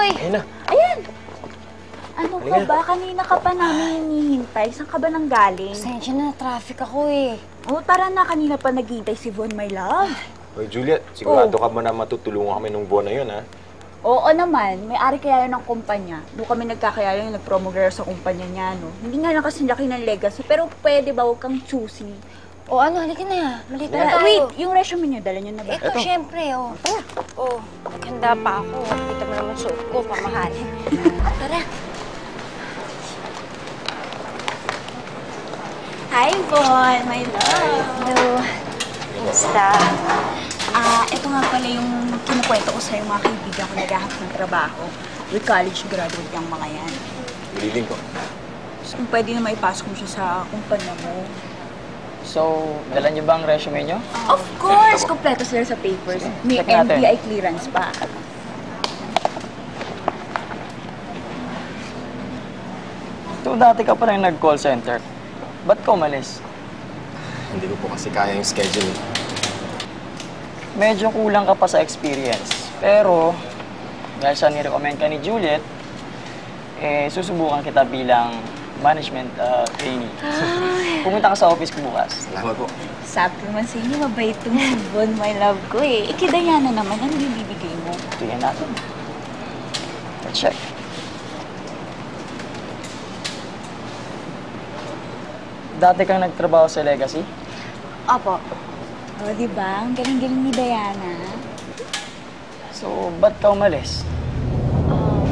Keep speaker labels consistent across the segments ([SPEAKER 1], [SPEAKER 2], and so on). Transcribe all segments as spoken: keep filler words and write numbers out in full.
[SPEAKER 1] Uy!
[SPEAKER 2] Ayun na.
[SPEAKER 3] Ayan! Ano ka
[SPEAKER 2] Halika.
[SPEAKER 3] ba? Kanina ka pa namin hinihintay. Saan ka ba nang galing?
[SPEAKER 1] Pasensya na, traffic ako eh.
[SPEAKER 3] Oh, tara na. Kanina pa naghihintay si Von, my love.
[SPEAKER 2] Hoy, Juliet, sigurado
[SPEAKER 3] Oh.
[SPEAKER 2] ka mo na matutulungan kami nung buwan na yun, ha?
[SPEAKER 3] Oo naman. May-ari kaya yun ng kumpanya. Doon kami nagkakaya yun, nag-promo girl sa kumpanya niya, no? Hindi nga lang kasi laki ng legacy, pero pwede ba huwag kang choosy?
[SPEAKER 1] O ano, halika na. Malito na
[SPEAKER 3] Tara,
[SPEAKER 1] tayo.
[SPEAKER 3] wait, yung resume niyo, dala niyo na ba?
[SPEAKER 1] Ito, syempre, oh. Tara. Oh, naghanda pa ako. Kita mo naman suot ko, pamahalin. Tara.
[SPEAKER 3] Hi, Von, my love.
[SPEAKER 1] Hello. Kumusta?
[SPEAKER 3] Ah, ito nga pala yung kinukwento ko sa'yo mga kaibigan ko naghahanap ng trabaho. With college graduate yung mga yan.
[SPEAKER 2] Bililin ko.
[SPEAKER 3] So, kung pwede na maipasok mo siya sa kumpanya mo.
[SPEAKER 4] So, dala niyo ba ang resume niyo?
[SPEAKER 3] Of course! Kompleto sila sa papers. May
[SPEAKER 4] Check natin.
[SPEAKER 3] N B I clearance pa.
[SPEAKER 4] Ito, dati ka pa rin nag-call center. Ba't ka umalis?
[SPEAKER 2] Hindi ko po kasi kaya yung schedule.
[SPEAKER 4] Medyo kulang ka pa sa experience. Pero, dahil sa nirecommend ka ni Juliet, eh, susubukan kita bilang management uh, trainee. Pumunta ka sa office ko bukas.
[SPEAKER 2] Salamat po.
[SPEAKER 3] Sabi naman sa inyo, mabait tong si Von, my love ko eh. Ikidayana naman, ano yung bibigay mo?
[SPEAKER 4] Tingnan natin. Let's check. Dati kang nagtrabaho sa Legacy?
[SPEAKER 1] Opo.
[SPEAKER 3] O, oh, di ba? Ang galing-galing ni Diana.
[SPEAKER 4] So, ba't ka umalis?
[SPEAKER 1] Um,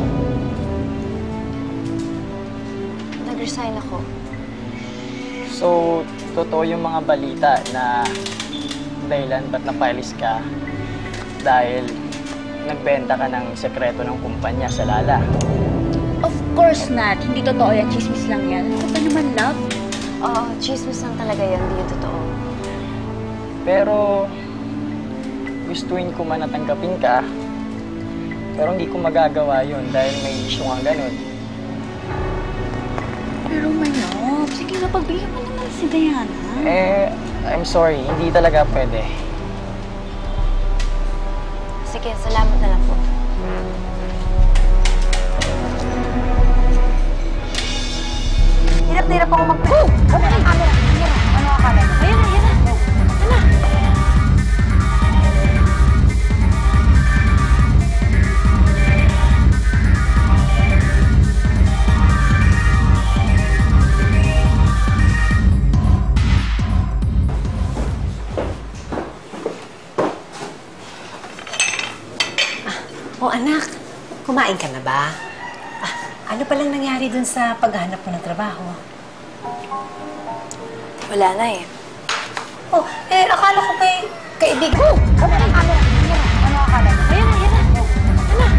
[SPEAKER 1] Nag-resign ako.
[SPEAKER 4] So, totoo yung mga balita na dahilan ba't napalis ka dahil nagbenta ka ng sekreto ng kumpanya sa Lala.
[SPEAKER 3] Of course not. Hindi totoo yan. Chismis lang yan. Ano pa naman, love?
[SPEAKER 1] Oo, chismis lang talaga yun. Hindi yun totoo.
[SPEAKER 4] Pero, gustuin ko man natanggapin ka, pero hindi ko magagawa yun dahil may issue nga ganun.
[SPEAKER 3] Pero, my love, sige na, pagbigyan mo naman si Diana.
[SPEAKER 4] Eh, I'm sorry, hindi talaga pwede.
[SPEAKER 1] Sige, salamat na lang po.
[SPEAKER 3] Hirap na hirap ako mag-press. Ano na, camera? Ano ang camera?
[SPEAKER 1] Ayan na, ayan na. Ayan na.
[SPEAKER 5] Oh, anak, kumain ka na ba? Ah, ano palang nangyari dun sa paghahanap mo ng trabaho?
[SPEAKER 1] Wala na eh.
[SPEAKER 5] Oh, eh, akala ko kay kaibigan. Oh!
[SPEAKER 3] Ano na, camera? Ano ang camera?
[SPEAKER 1] Ayan na, ayan na. Ayan na.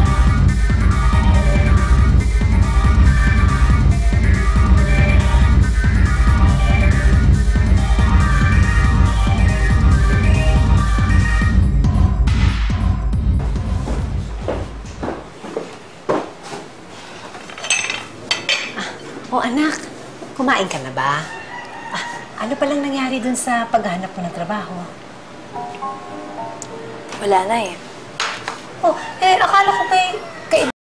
[SPEAKER 5] Oh, anak, kumain ka na ba? Ah, ano palang nangyari dun sa paghahanap mo ng trabaho?
[SPEAKER 1] Wala na eh.
[SPEAKER 5] Oh, eh, akala ko kay